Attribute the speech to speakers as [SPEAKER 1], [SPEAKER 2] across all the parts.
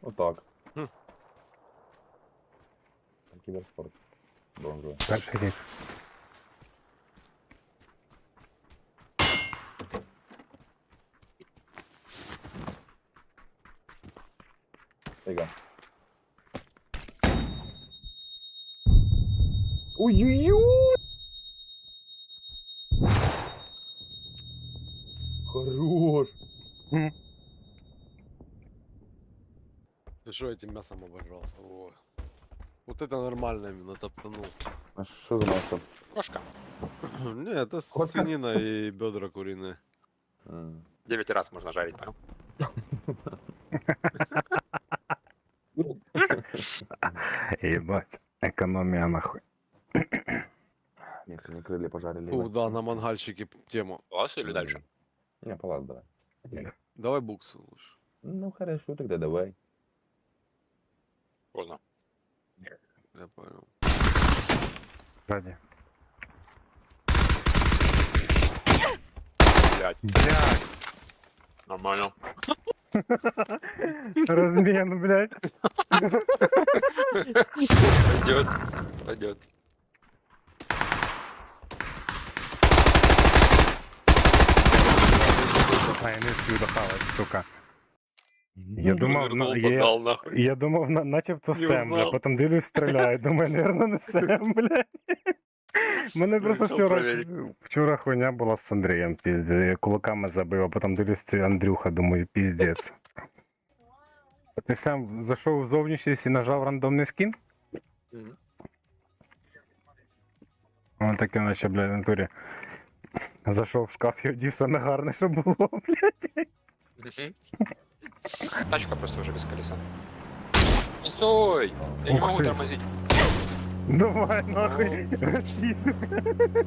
[SPEAKER 1] Отак.
[SPEAKER 2] Хм.
[SPEAKER 1] Кіберспорт. Бронзовий.
[SPEAKER 3] Перший рік.
[SPEAKER 1] Тайга. Ой-ой-ой! Хорош!
[SPEAKER 2] Ты что этим мясом обожрался? О. Вот это нормально именно топтанул.
[SPEAKER 1] А що за масло?
[SPEAKER 4] Кошка.
[SPEAKER 2] Не, это свинина и бедра куриные.
[SPEAKER 4] 9 раз можно жарить, понял?
[SPEAKER 3] Ебать. Економія нахуй.
[SPEAKER 1] Мне сегодня крылья пожарили.
[SPEAKER 2] Ух, да, на мангальщике тему.
[SPEAKER 4] Класс или дальше?
[SPEAKER 1] Не, палат давай.
[SPEAKER 2] Давай буксу лучше.
[SPEAKER 1] Ну хорошо, тогда давай.
[SPEAKER 4] Поздно.
[SPEAKER 2] Я понял.
[SPEAKER 3] Ззаді.
[SPEAKER 4] Блять,
[SPEAKER 3] Блядь.
[SPEAKER 4] нормально.
[SPEAKER 3] Розмін, блядь.
[SPEAKER 4] Пойдет. Пойдет.
[SPEAKER 3] А, я не встиг дохавати, сука. Я думав,
[SPEAKER 4] Подал нахуй.
[SPEAKER 3] я думав, начебто
[SPEAKER 4] Не
[SPEAKER 3] Сем, бля,
[SPEAKER 4] узнав.
[SPEAKER 3] потім дивлюсь, стріляю, думаю, наверно, не Сем, блядь. Мене просто
[SPEAKER 4] Вирішив перевірити.
[SPEAKER 3] вчора хуйня була з Андрієм, піздець, я кулаками забив, а потім дивлюсь, це Андрюха, думаю, піздець. Ти сам зайшов в зовнішність і нажав рандомний скін?
[SPEAKER 4] Мгм.
[SPEAKER 3] Воно таке, наче, блядь, в натурі. Зайшов в шкаф і одів саме гарне, що було, блядь.
[SPEAKER 4] Мгм. Тачка просто уже без колеса. Стой! Я не
[SPEAKER 3] Ух
[SPEAKER 4] могу
[SPEAKER 3] ты.
[SPEAKER 4] тормозить.
[SPEAKER 3] Давай, нахуй, Росі, сука.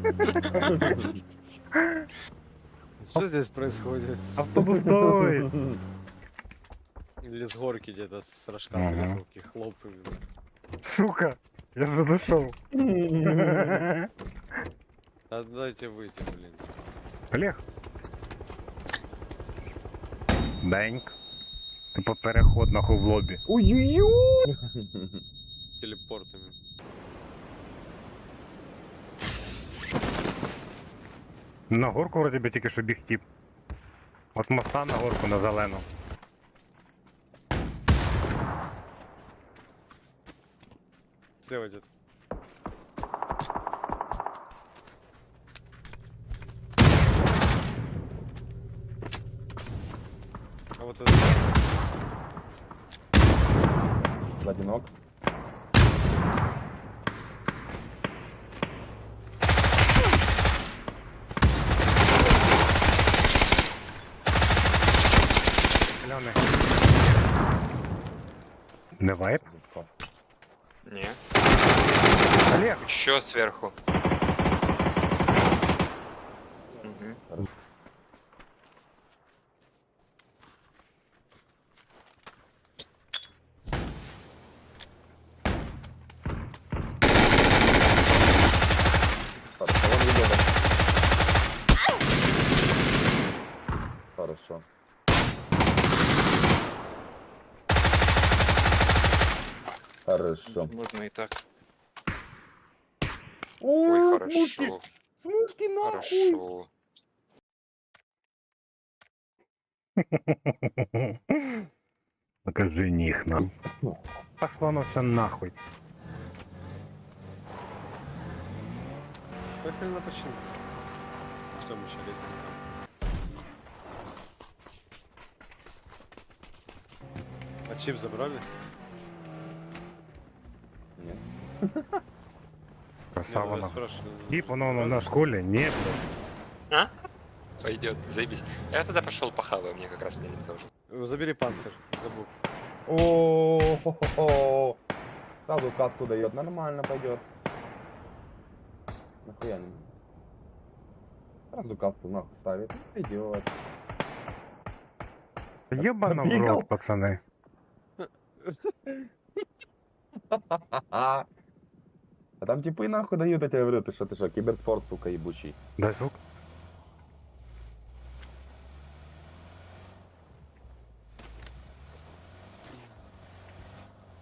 [SPEAKER 2] Что здесь происходит?
[SPEAKER 3] Автобус стой.
[SPEAKER 2] Или с горки где-то с рожка
[SPEAKER 3] Ага.
[SPEAKER 2] с резалки хлопают.
[SPEAKER 3] Сука, я же зайшов.
[SPEAKER 2] Да дайте выйти, блин.
[SPEAKER 3] Олег. Деньк. Типа переход нахуй в лобі.
[SPEAKER 1] Ой-ой-ой!
[SPEAKER 2] Телепортами.
[SPEAKER 3] На горку вроді би тільки що біг тіп. От моста на горку на зелену.
[SPEAKER 2] Слева где-то. А вот это...
[SPEAKER 1] Одинок.
[SPEAKER 3] Зелений. Не вайп?
[SPEAKER 4] Не.
[SPEAKER 3] Олег!
[SPEAKER 4] Еще сверху. Мгм.
[SPEAKER 1] Хорошо, вон ребята. Хорошо. Хорошо.
[SPEAKER 4] Можно и так.
[SPEAKER 1] Ой,
[SPEAKER 4] Ой,
[SPEAKER 1] смушки!
[SPEAKER 4] хорошо.
[SPEAKER 1] Смушки нахуй!
[SPEAKER 4] Хорошо.
[SPEAKER 3] Покажи них нам. Пошло оно все нахуй.
[SPEAKER 2] Поехали на починку. Что мы еще лезем там? А чип забрали?
[SPEAKER 1] Нет.
[SPEAKER 3] Красава
[SPEAKER 2] Не, ну я
[SPEAKER 3] нахуй.
[SPEAKER 2] спрашиваю.
[SPEAKER 3] Тип, воно на школі? Ні, блядь.
[SPEAKER 4] Пойдет, заебись. Я тогда пошел похаваю, мне как раз минут тоже.
[SPEAKER 2] Забери панцирь, забыл.
[SPEAKER 1] О-хо-хо-хо. Сразу каску дает, нормально пойдет. Нахуя не? Сразу каску нахуй ставит. Пойдет.
[SPEAKER 3] Єбано в
[SPEAKER 1] Побігав?
[SPEAKER 3] рот, пацани.
[SPEAKER 1] А там типы нахуй дают, я тебе говорю, ты что, киберспорт, сука, ебучий.
[SPEAKER 3] Дай звук.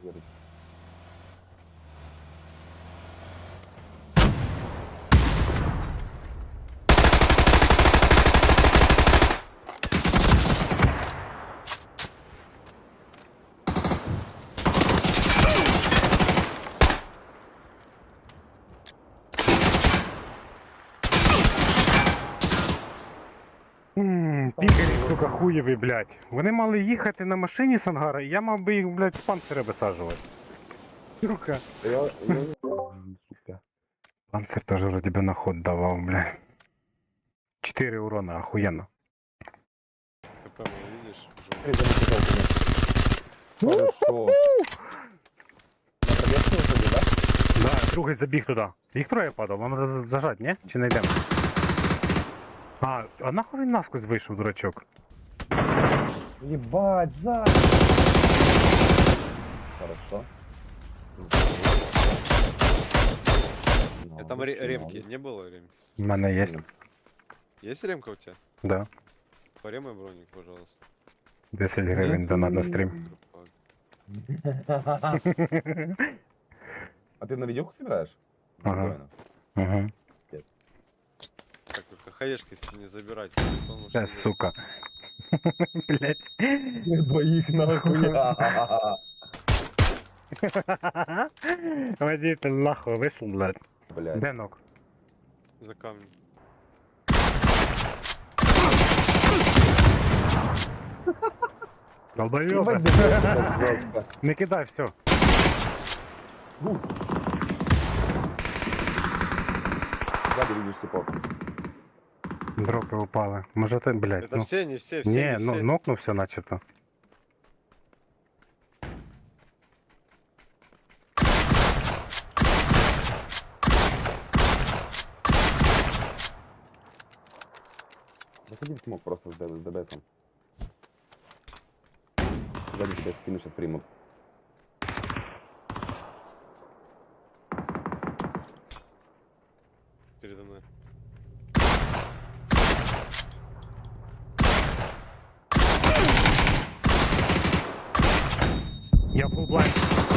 [SPEAKER 1] Горить.
[SPEAKER 3] Пікарі, сука, хуєві, блядь. Вони мали їхати на машині з ангара, і я мав би їх, блядь, з панциря висаджувати. Сука.
[SPEAKER 1] Сука.
[SPEAKER 3] Панцир теж вроді би на ход давав, блядь. 4 урона, охуєнно.
[SPEAKER 2] КП мой, видишь?
[SPEAKER 1] Эй, да не хотел, конечно. Хорошо. На пробежку выходи, да?
[SPEAKER 3] Да, другий забіг туди. Їх троє падав, вам треба зажать, ні? Чи не йдемо? А нахуй він насквозь вийшов, дурачок?
[SPEAKER 1] Ебать, сзади. Хорошо.
[SPEAKER 2] Там ремки. Не было ремки?
[SPEAKER 3] У мене є.
[SPEAKER 2] Есть ремка у тебя?
[SPEAKER 3] Да.
[SPEAKER 2] Поремай броник, пожалуйста.
[SPEAKER 3] 10 гривень донат на стрім.
[SPEAKER 1] А ты на видеоху собираешь?
[SPEAKER 3] Ага.
[SPEAKER 1] Спокойно.
[SPEAKER 3] Ага.
[SPEAKER 2] Так, только хаешки не забирайте. телефон лучше не
[SPEAKER 3] Сука.
[SPEAKER 2] забирайте.
[SPEAKER 3] Блять.
[SPEAKER 1] Двоих нахуй.
[SPEAKER 3] Водитель нахуй вийшов, блядь.
[SPEAKER 1] Блядь.
[SPEAKER 3] Де ног?
[SPEAKER 2] За камнем.
[SPEAKER 3] Долбойоба.
[SPEAKER 1] Ебать, да, жестко.
[SPEAKER 3] Не кидай, все.
[SPEAKER 1] Сзади видишь типов.
[SPEAKER 3] Дропи упали. Може ти, блядь,
[SPEAKER 2] Это
[SPEAKER 3] ну.
[SPEAKER 2] все, не все, все,
[SPEAKER 3] Ні,
[SPEAKER 2] не
[SPEAKER 3] ну
[SPEAKER 2] все.
[SPEAKER 3] нокнувся начебто.
[SPEAKER 1] Заходи в смог просто с ДБСом. Сзади сейчас спину сейчас примут.
[SPEAKER 2] Передо мной.
[SPEAKER 3] Я фулл блайнд.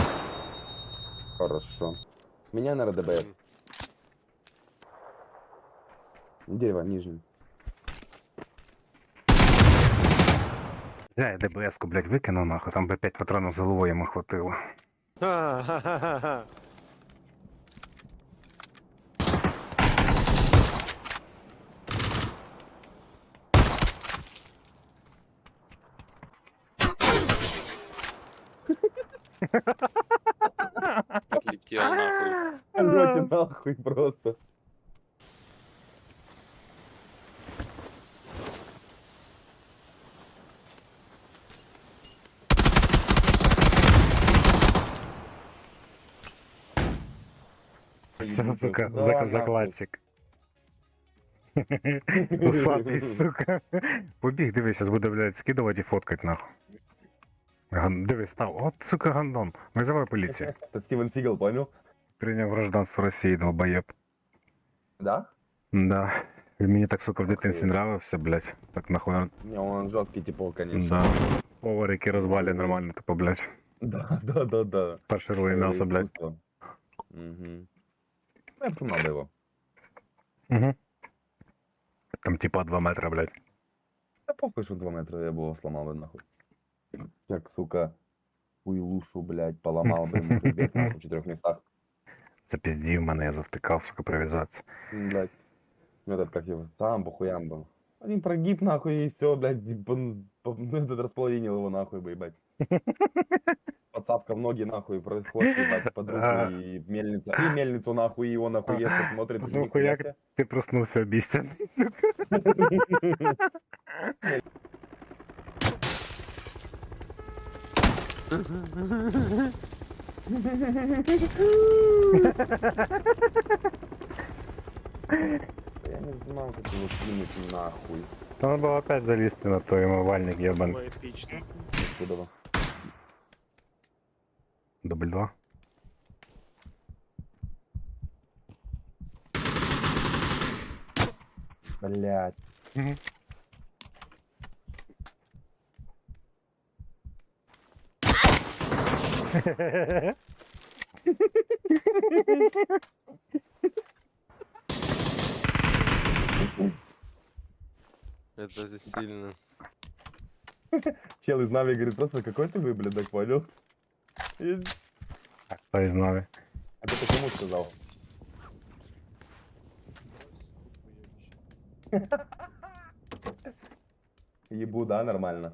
[SPEAKER 1] Хорошо. Меня, наверное, ДБС. Дерево, нижнее.
[SPEAKER 3] Зря я ДБС-ку, блядь, викинув нахуй, там би 5 патронів з головою йому хватило.
[SPEAKER 2] Ха-ха-ха-ха.
[SPEAKER 4] Отлетел нахуй.
[SPEAKER 1] Орёте нахуй просто.
[SPEAKER 3] Все, сука,
[SPEAKER 1] Да, нахуй.
[SPEAKER 3] закладчик. Усатий, сука. Побіг, дивись, зараз буде, блядь, скидувати і фоткать, нахуй. Дивись, став. От, сука, гандон. Визивай поліцію.
[SPEAKER 1] Это Стивен Сигал, понял?
[SPEAKER 3] Прийняв гражданство Росії, долбоєб.
[SPEAKER 1] Да?
[SPEAKER 3] Да. Він мені так, сука, в дитинстві
[SPEAKER 1] Охуєть.
[SPEAKER 3] нравився, блядь. Так нахуй.
[SPEAKER 1] Не, он жесткий типа, конечно.
[SPEAKER 3] Да. Повар, який розвалює нормально, типу, блядь.
[SPEAKER 1] Да.
[SPEAKER 3] Перший рулий м'ясо, блядь.
[SPEAKER 1] Искусство. Мгм. Ну, я надо его.
[SPEAKER 3] Угу. Там типа 2 метра, блядь.
[SPEAKER 1] Да похуй, что 2 метра я бы его сломал бы нахуй. Как, сука, хуйлушу, блядь, поломал бы ему хребет нахуй в 4 местах.
[SPEAKER 3] Запіздів мене, я завтикав, сука, прив'язатися.
[SPEAKER 1] Блядь. Ну этот как его, там по хуям был. Один прогиб нахуй и все, блядь, этот располовинил его нахуй бы, ебать. Подсадка в ноги нахуй, проход, ебать, под руки и мельница. И мельницу нахуй, и он охуевший смотрит.
[SPEAKER 3] Ну, хуяк. Ти проснувся обіцяний.
[SPEAKER 1] Я не знал, как его кинуть нахуй.
[SPEAKER 3] Треба було опять залізти на той умивальник, єбан.
[SPEAKER 1] Откуда вы?
[SPEAKER 3] Дубль 2.
[SPEAKER 1] Блядь.
[SPEAKER 3] Угу.
[SPEAKER 2] Это же сильно.
[SPEAKER 1] Чел из Нави говорит, просто какой ты выблядок, понял?
[SPEAKER 3] Хто із Наві?
[SPEAKER 1] А ты почему сказал? Ебу, да, нормально.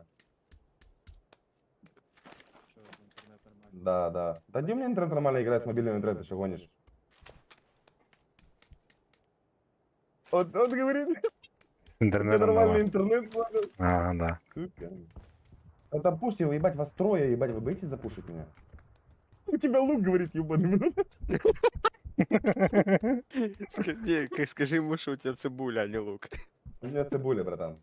[SPEAKER 1] Да, да. Да где у меня интернет нормально играет с мобильного интернета, ты что гонишь? Вот говорит,
[SPEAKER 3] З
[SPEAKER 1] у тебя
[SPEAKER 3] інтернетом
[SPEAKER 1] нормальный
[SPEAKER 3] нема.
[SPEAKER 1] интернет, понял?
[SPEAKER 3] Ага, да.
[SPEAKER 1] Сука. Это пушьте его, ебать, вас трое, ебать, вы боитесь запушить меня? У тебя лук, говорит, ебаный.
[SPEAKER 2] Скажи ему, что у тебя цибуля, а не лук.
[SPEAKER 1] У меня цибуля, братан.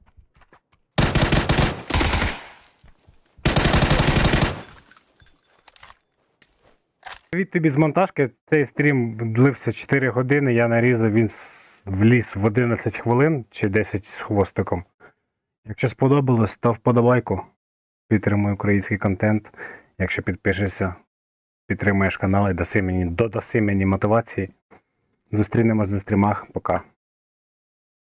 [SPEAKER 3] Від тобі з монтажки цей стрім длився 4 години, я нарізав, він вліз в 11 хвилин чи 10 з хвостиком. Якщо сподобалось, став вподобайку. Підтримуй український контент. Якщо підпишешся, підтримуєш канал і додаси мені мотивації. Зустрінемось на стрімах. Пока.